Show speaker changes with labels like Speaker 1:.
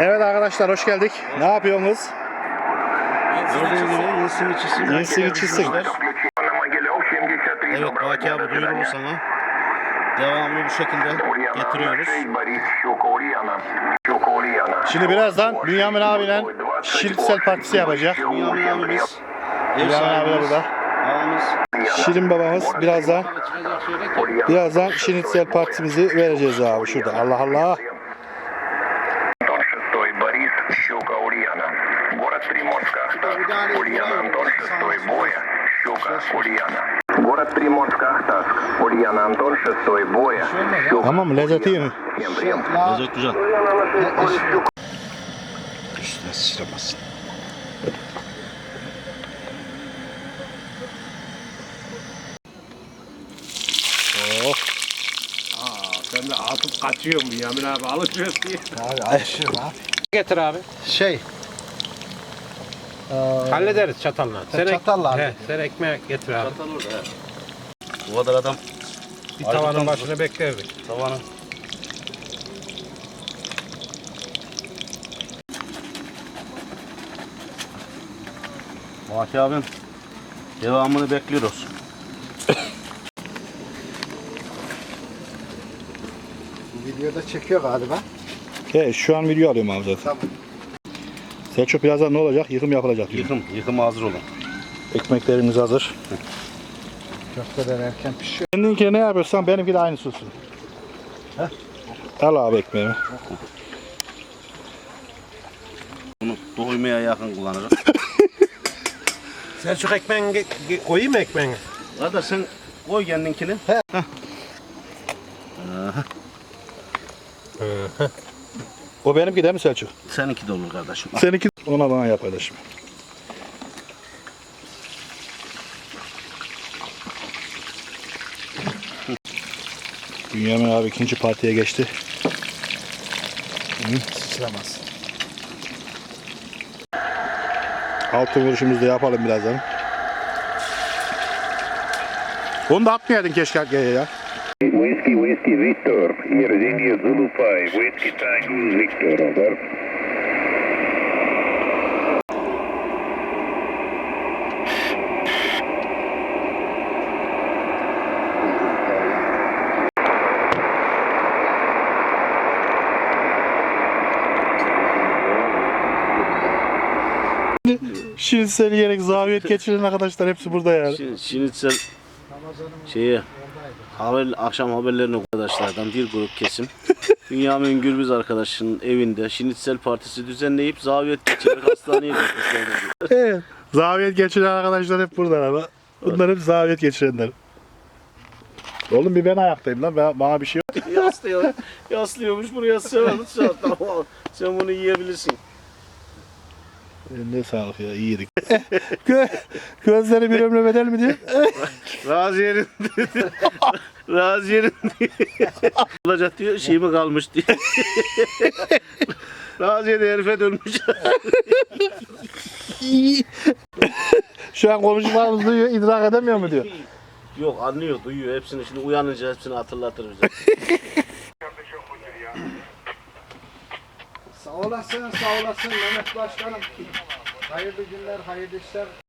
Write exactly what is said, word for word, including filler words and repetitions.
Speaker 1: Evet arkadaşlar, hoş geldik. Ne yapıyorsunuz?
Speaker 2: Gördüğünüz gibi insin içisin.
Speaker 1: İnsin içisin.
Speaker 2: Evet Baki abi duyurulur sana. Devamını bu şekilde getiriyoruz.
Speaker 1: Şimdi birazdan Bünyamin abiyle Şirintsel partisi yapacak.
Speaker 2: Bünyamin abimiz. Ev
Speaker 1: Bünyamin abi de
Speaker 2: sahibimiz.
Speaker 1: burada.
Speaker 2: Ağamız.
Speaker 1: Şirin babamız birazdan birazdan Şirintsel partimizi vereceğiz abi şurada. Allah Allah.
Speaker 3: Город Приморск, Ахтарск, Ульяна Антон, шестой боя.
Speaker 1: Tamam mı? Lezzeti iyi mi?
Speaker 2: Lezzet güzel.
Speaker 1: Üstüne sıçramasın. Oh.
Speaker 4: Aa, sen de atıp kaçıyorsun Yamin abi alışıyorsun diye.
Speaker 1: Abi ayışırım abi.
Speaker 5: Getir abi.
Speaker 1: Şey.
Speaker 5: Hallederiz çatalla. Sen
Speaker 1: çatalla
Speaker 5: ek-
Speaker 1: abi.
Speaker 5: He, sen ekmek getir abi.
Speaker 2: Çatal orada he. Bu kadar adam
Speaker 5: Bir tavanın başına beklerdik.
Speaker 2: tavanı. Baki abim devamını bekliyoruz.
Speaker 6: Videoda çekiyor galiba.
Speaker 1: He, şu an video alıyorum abi zaten.
Speaker 6: Tamam.
Speaker 1: Selçuk birazdan ne olacak? Yıkım yapılacak diyor.
Speaker 2: Yıkım, yıkım hazır olun.
Speaker 1: Ekmeklerimiz hazır.
Speaker 6: Köfteler erken pişiyor.
Speaker 1: Kendinki ne yapıyorsan benimki de aynısı olsun. Al abi ekmeğimi.
Speaker 2: Bunu doymaya yakın kullanırım.
Speaker 5: Sen şu ekmeğini ge- ge- koyayım mı ekmeğini?
Speaker 2: Kardeş sen koy kendinkini.
Speaker 1: O benimki değil mi Selçuk?
Speaker 2: Seninki de olur kardeşim.
Speaker 1: Seninki ona bana yap kardeşim. Bünyamin abi ikinci partiye geçti.
Speaker 6: Sıçramaz.
Speaker 1: Altın vuruşumuzu da yapalım birazdan. Onu da atmayaydın keşke arkaya ya.
Speaker 3: Whiskey, Whiskey, Victor. Here is India Zulu five. Whiskey Tango Victor, over.
Speaker 1: Şirinsel'i yerek zaviyet geçiren arkadaşlar hepsi burada yani.
Speaker 2: Şimdi, şimdi sen şeye haber, akşam haberlerini arkadaşlardan bir grup kesim Bünyamin Gürbüz arkadaşının evinde Şinitsel Partisi düzenleyip zaviyet geçirerek hastaneye götürmüşler.
Speaker 1: Evet. Zaviyet geçiren arkadaşlar hep burada ama. Bunlar hep zaviyet geçirenler. Oğlum bir ben ayaktayım lan. Ben, bana bir şey yok.
Speaker 2: Yaslıyor, yaslıyormuş buraya sığardı. Tamam, sen bunu yiyebilirsin.
Speaker 1: Ne sağlık ya, iyiydik. Gö gözleri bir ömre bedel mi diyor?
Speaker 2: Raziye'nin Raziye'nin olacak diyor, şey mi kalmış diyor. Raziye de herife dönmüş.
Speaker 1: Şu an konuşmalarımızı duyuyor, idrak edemiyor mu diyor.
Speaker 2: Yok anlıyor, duyuyor hepsini. Şimdi uyanınca hepsini hatırlatır bize.
Speaker 6: Sağ olasın, sağ olasın Mehmet Başkanım. Hayırlı günler, hayırlı işler.